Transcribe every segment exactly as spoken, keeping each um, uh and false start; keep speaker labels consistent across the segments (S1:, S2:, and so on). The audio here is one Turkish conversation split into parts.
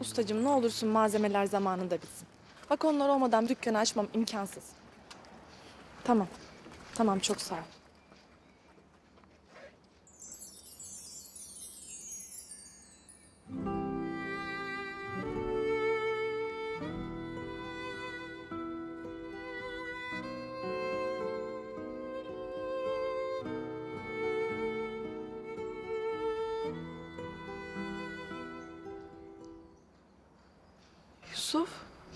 S1: Ustacığım ne olursun malzemeler zamanında bitsin. Bak onlar olmadan dükkanı açmam imkansız. Tamam. Tamam çok sağ ol. Yusuf.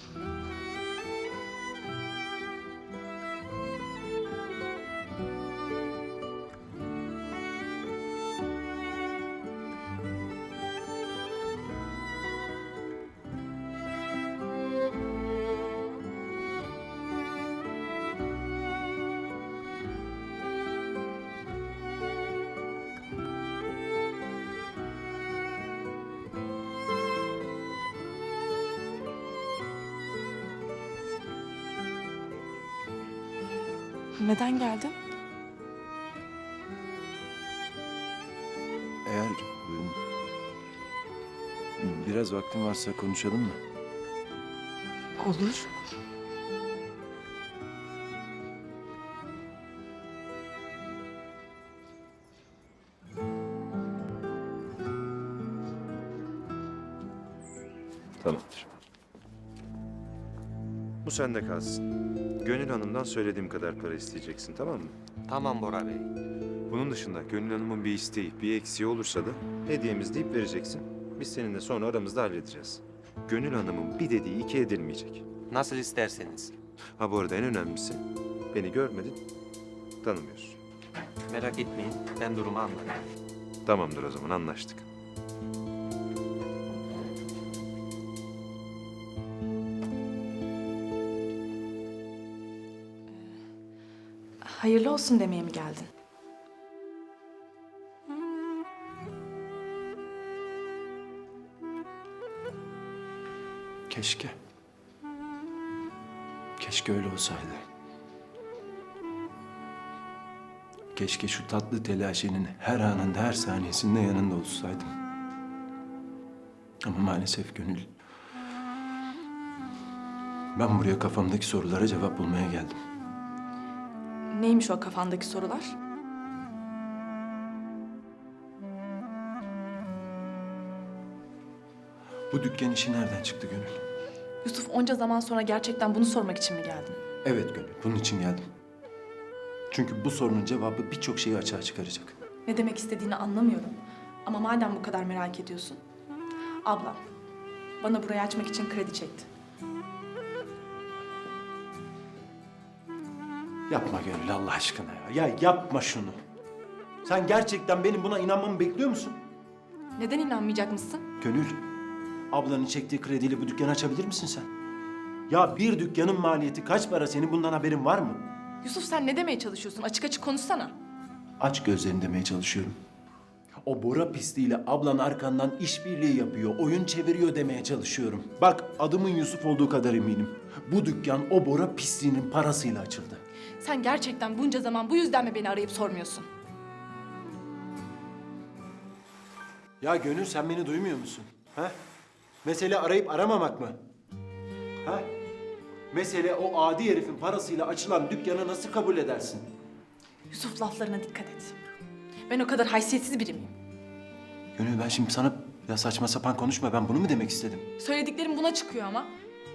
S1: Neden geldin?
S2: Eğer e, biraz vaktin varsa konuşalım mı?
S1: Olur.
S2: Tamamdır.
S3: Bu sende kalsın. Gönül Hanım'dan söylediğim kadar para isteyeceksin, tamam mı?
S4: Tamam Bora Bey.
S3: Bunun dışında Gönül Hanım'ın bir isteği, bir eksiği olursa da hediyemiz deyip vereceksin. Biz seninle sonra aramızda halledeceğiz. Gönül Hanım'ın bir dediği iki edilmeyecek.
S4: Nasıl isterseniz.
S3: Ha bu arada en önemlisi, beni görmedin, tanımıyorsun.
S4: Merak etmeyin, ben durumu anladım.
S3: Tamamdır o zaman, anlaştık.
S1: Hayırlı olsun demeye mi geldin?
S2: Keşke. Keşke öyle olsaydı. Keşke şu tatlı telaşenin her anında, her saniyesinde yanında olsaydım. Ama maalesef Gönül. Ben buraya kafamdaki sorulara cevap bulmaya geldim.
S1: Neymiş o kafandaki sorular?
S2: Bu dükkan işi nereden çıktı Gönül?
S1: Yusuf onca zaman sonra gerçekten bunu sormak için mi geldin?
S2: Evet Gönül, bunun için geldim. Çünkü bu sorunun cevabı birçok şeyi açığa çıkaracak.
S1: Ne demek istediğini anlamıyorum. Ama madem bu kadar merak ediyorsun. Ablam bana burayı açmak için kredi çekti.
S2: Yapma Gönül Allah aşkına ya. Ya yapma şunu. Sen gerçekten benim buna inanmamı bekliyor musun?
S1: Neden inanmayacak mısın?
S2: Gönül, ablanın çektiği krediyle bu dükkanı açabilir misin sen? Ya bir dükkanın maliyeti kaç para, senin bundan haberin var mı?
S1: Yusuf sen ne demeye çalışıyorsun? Açık açık konuşsana.
S2: Aç gözlerini demeye çalışıyorum. O Bora pisliğiyle ablan arkandan işbirliği yapıyor, oyun çeviriyor demeye çalışıyorum. Bak adımın Yusuf olduğu kadar eminim. Bu dükkan o Bora pisliğinin parasıyla açıldı.
S1: Sen gerçekten bunca zaman bu yüzden mi beni arayıp sormuyorsun?
S2: Ya Gönül sen beni duymuyor musun? Ha? Mesele arayıp aramamak mı? Ha? Mesele o adi herifin parasıyla açılan dükkanı nasıl kabul edersin?
S1: Yusuf laflarına dikkat et. Ben o kadar haysiyetsiz biri miyim?
S2: Gönül ben şimdi sana ya saçma sapan konuşma, ben bunu mu demek istedim?
S1: Söylediklerim buna çıkıyor ama.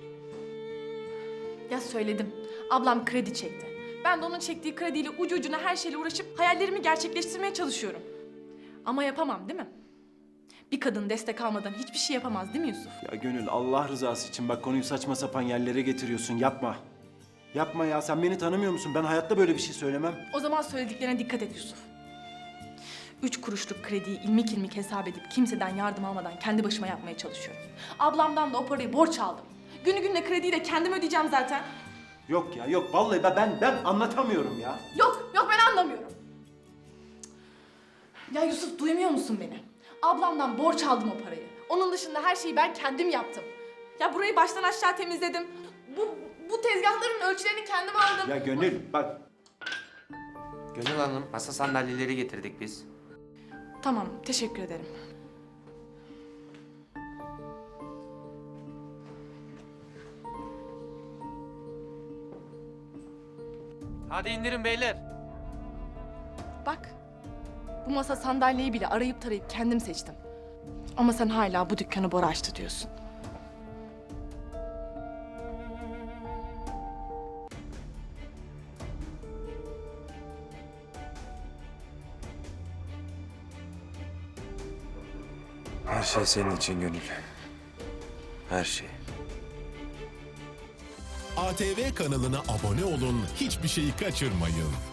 S1: Ya söyledim. Ablam kredi çekti. Ben de onun çektiği krediyle ucu ucuna her şeyle uğraşıp hayallerimi gerçekleştirmeye çalışıyorum. Ama yapamam değil mi? Bir kadın destek almadan hiçbir şey yapamaz değil mi Yusuf?
S2: Ya Gönül Allah rızası için bak konuyu saçma sapan yerlere getiriyorsun, yapma. Yapma ya, sen beni tanımıyor musun? Ben hayatta böyle bir şey söylemem.
S1: O zaman söylediklerine dikkat et Yusuf. Üç kuruşluk krediyi ilmik ilmik hesap edip kimseden yardım almadan kendi başıma yapmaya çalışıyorum. Ablamdan da o parayı borç aldım. Günü gününe krediyi de kendim ödeyeceğim zaten.
S2: Yok ya yok, vallahi ben ben, ben anlatamıyorum ya.
S1: Yok, yok ben anlamıyorum. Ya Yusuf duymuyor musun beni? Ablamdan borç aldım o parayı. Onun dışında her şeyi ben kendim yaptım. Ya burayı baştan aşağı temizledim. Bu, bu tezgahların ölçülerini kendim aldım.
S2: Ya Gönül bak.
S4: Gönül Hanım, masa sandalyeleri getirdik biz.
S1: Tamam, teşekkür ederim.
S4: Hadi indirin beyler.
S1: Bak, bu masa sandalyeyi bile arayıp tarayıp kendim seçtim. Ama sen hala bu dükkanı Bora açtı diyorsun.
S3: Her şey senin için Gönül. Her şey.
S5: A T V kanalına abone olun, hiçbir şeyi kaçırmayın.